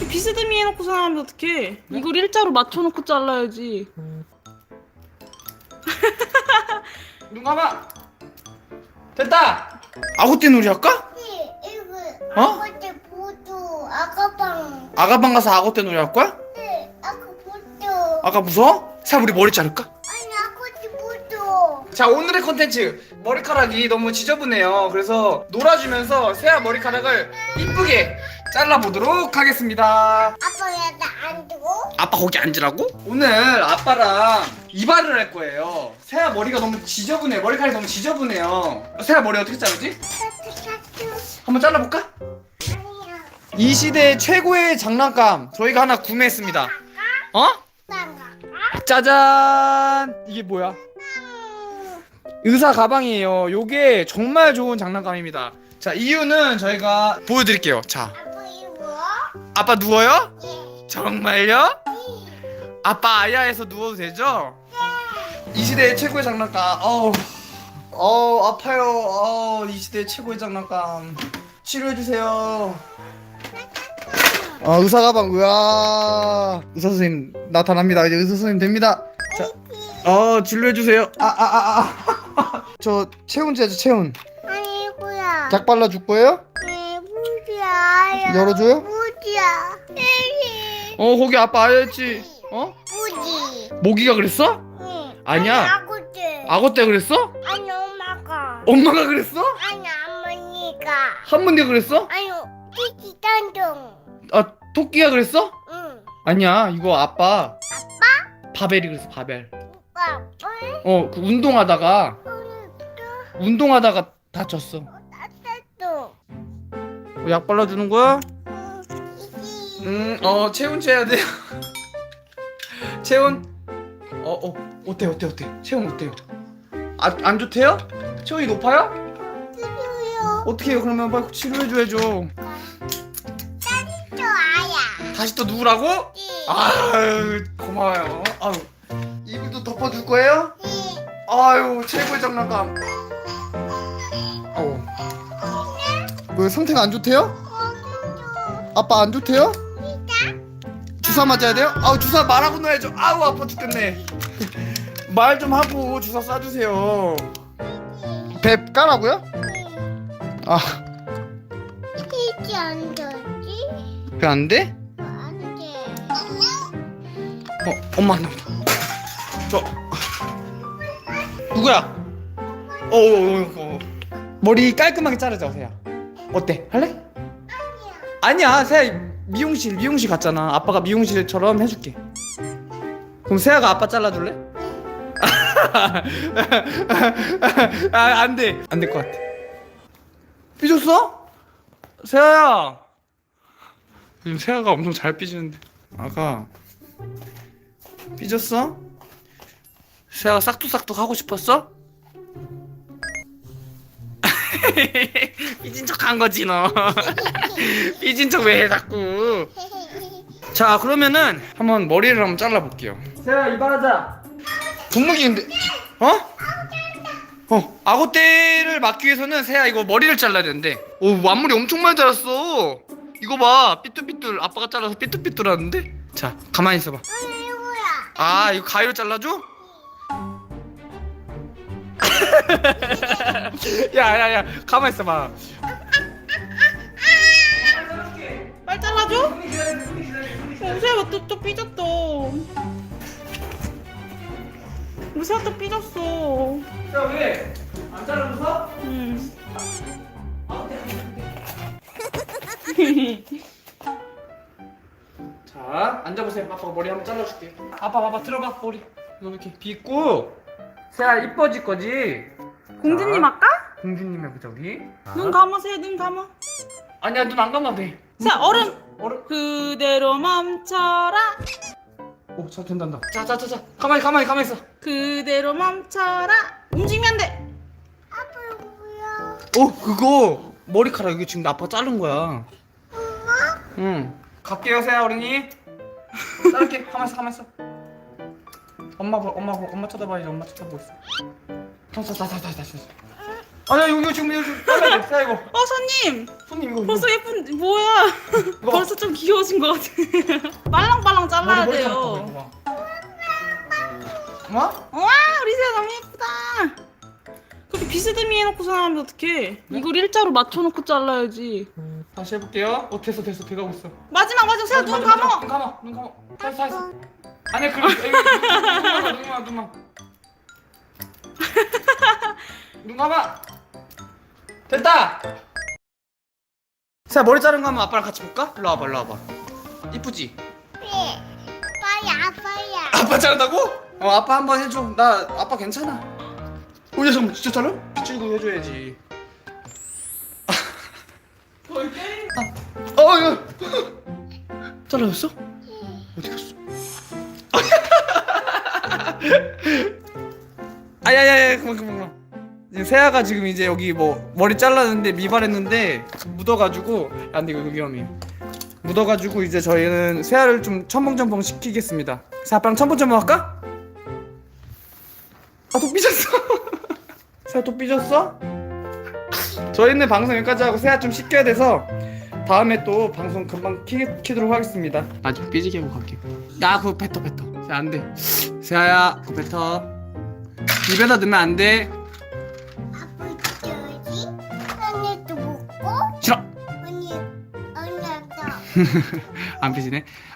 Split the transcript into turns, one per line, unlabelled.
비스듬히 해놓고 생각하면 어떡해. 네? 이걸 일자로 맞춰놓고 잘라야지.
눈 감아. 됐다. 아구띠 놀이 할까?
네, 이거
어?
아가씨 보도 아가방.
아가방 가서 아구띠 놀이 할 거야?
네, 아가 보도.
아가 무서워? 사 우리 머리 자를까?
아니 아가씨 보도.
자, 오늘의 컨텐츠 머리카락이 너무 지저분해요. 그래서 놀아주면서 세아 머리카락을 이쁘게 잘라보도록 하겠습니다.
아빠야 나안 두고.
아빠 거기 앉으라고? 오늘 아빠랑 이발을 할 거예요. 세아 머리가 너무 지저분해. 머리카락이 너무 지저분해요. 세아 머리 어떻게 자르지?
샤투.
한번 잘라볼까?
아니야.
이 시대 최고의 장난감 저희가 하나 구매했습니다. 어?
나가.
짜잔! 이게 뭐야? 의사 가방이에요. 요게 정말 좋은 장난감입니다. 자, 이유는 저희가 보여드릴게요. 자,
아빠 이거.
아빠 누워요?
예.
정말요? 아빠 아야에서 누워도 되죠? 이 시대의 최고의 장난감. 아파요. 이 시대의 최고의 장난감. 치료해주세요. 의사 가방. 우와. 의사 선생님 나타납니다. 이제 의사 선생님 됩니다. 자, 진료해주세요. 저 체온제죠, 체온.
아니 이거야.
약 발라줄 거예요?
네, 무지야.
열어줘요?
무지야.
거기 아빠 아야했지.
무지.
모기가 그랬어?
응.
아니야.
아구지.
악어 때 그랬어?
아니 엄마가.
엄마가 그랬어?
아니 어머니가.
할머니가 그랬어?
아니 티티 단종.
아, 토끼가 그랬어?
응.
아니야, 이거 아빠. 바벨이 그랬어, 바벨.
아빠.
그 운동하다가 다쳤어.
따뜻도.
약 발라주는 거야?
이지.
체온 재야 돼요. 체온. 어때? 체온 어때요? 안 좋대요? 체온이 높아요?
그래요.
어떻게 해요? 그러면 빨리 치료해줘야죠.
또 아야.
다시 또 누우라고? 아유, 고마워요. 아유, 이불도 덮어줄 거예요? 아유, 최고의 장난감. 왜 상태가 안 좋대요? 아빠 안 좋대요? 주사 맞아야 돼요? 주사 말하고 넣어야죠. 아파 죽겠네. 말 좀 하고 주사 쏴주세요. 배 까라고요?
티티 안 되지?
배 안 돼?
안 돼.
엄마 안 나온다. 누구야? 머리 깔끔하게 자르자, 세야. 어때? 할래? 아니야, 세야 미용실 갔잖아. 아빠가 미용실처럼 해줄게. 그럼 세야가 아빠 잘라줄래? 안 돼. 안 될 것 같아. 삐졌어? 세야야. 요즘 세야가 엄청 잘 삐지는데. 아가 삐졌어? 세야가 싹둑싹둑 하고 싶었어? 삐진 척 한 거지 너. 삐진 척 왜 해 자꾸. 자, 그러면은 한번 머리를 한번 잘라볼게요. 세야 이발하자. 분무기인데 악어떼를 막기 위해서는 세야 이거 머리를 잘라야 되는데. 앞머리 엄청 많이 자랐어. 이거 봐, 삐뚤삐뚤. 아빠가 잘라서 삐뚤삐뚤하는데. 자, 가만히 있어봐.
이거야.
이거 가위로 잘라줘? 야, 가만히 있어봐.
빨리 잘라줘? 세아가 또 삐졌어. 우리 세아 또 삐졌어.
야, 왜? 안 잘라줘서?
응.
자, 앉아보세요. 아빠가 머리 한번 잘라줄게. 아빠 봐봐, 들어봐 머리. 이거 이렇게 빗고. 세아 이뻐질 거지?
공주님
자,
할까?
공주님 해보자 우리.
눈 감아, 세아 눈 감아.
아니야, 눈 안 감아도 돼.
세아 얼음.
얼음.
그대로 멈춰라.
잘 된단다. 자, 가만히 있어.
그대로 멈춰라. 움직이면 안 돼.
아빠 뭐야?
그거 머리카락 이거 지금 아빠 자른 거야. 응. 갈게요, 세아 어린이. 자를게. 가만히 있어. 엄마 쳐다봐야지. 엄마 쳐다보고 있어. 자. 아니야 여기 지금 잘라야 돼 이거.
손님.
손님 이거.
벌써 예쁜 뭐야?
이거.
벌써 좀 귀여워진 것 같아. 빨랑빨랑 잘라야
머리
돼요.
잘랐다, 뭐?
와 우리 새야 너무 예쁘다. 그렇게 비스듬히 해놓고 하면 어떡해?
네?
이걸 일자로 맞춰놓고 잘라야지.
다시 해볼게요. 됐어 돼가고 있어.
마지막 새야 눈 감어.
눈 감아. 됐어. 아니 그럼 눈 감아. 됐다. 자 머리 자른 거 한번 아빠랑 같이 볼까? 일로 와봐. 이쁘지?
네. 아빠야.
아빠 자른다고? 아빠 한번 해줘. 나 아빠 괜찮아. 오야 잠깐 진짜 잘라? 빗질고 해줘야지. 이거 잘라졌어? 어디 갔어? 아야야야 그만. 지금 세아가 지금 이제 여기 뭐 머리 잘랐는데 미발했는데 묻어가지고 안 돼 이거 위험해. 묻어가지고 이제 저희는 세아를 좀 첨벙첨벙 시키겠습니다. 그래서 아빠랑 첨벙첨벙 할까? 아 또 삐졌어. 세아 또 삐졌어? 저희는 방송 여기까지 하고 세아 좀 씻겨야 돼서 다음에 또 방송 금방 키도록 하겠습니다. 나 좀 삐지게 하고 갈게. 야 그거 뱉어. 세아 안 돼. 세아야 그거 뱉어. 입에다 넣으면 안 돼.
아빠 줘야지. 언니도 먹고.
싫어.
언니도.
안 삐지네.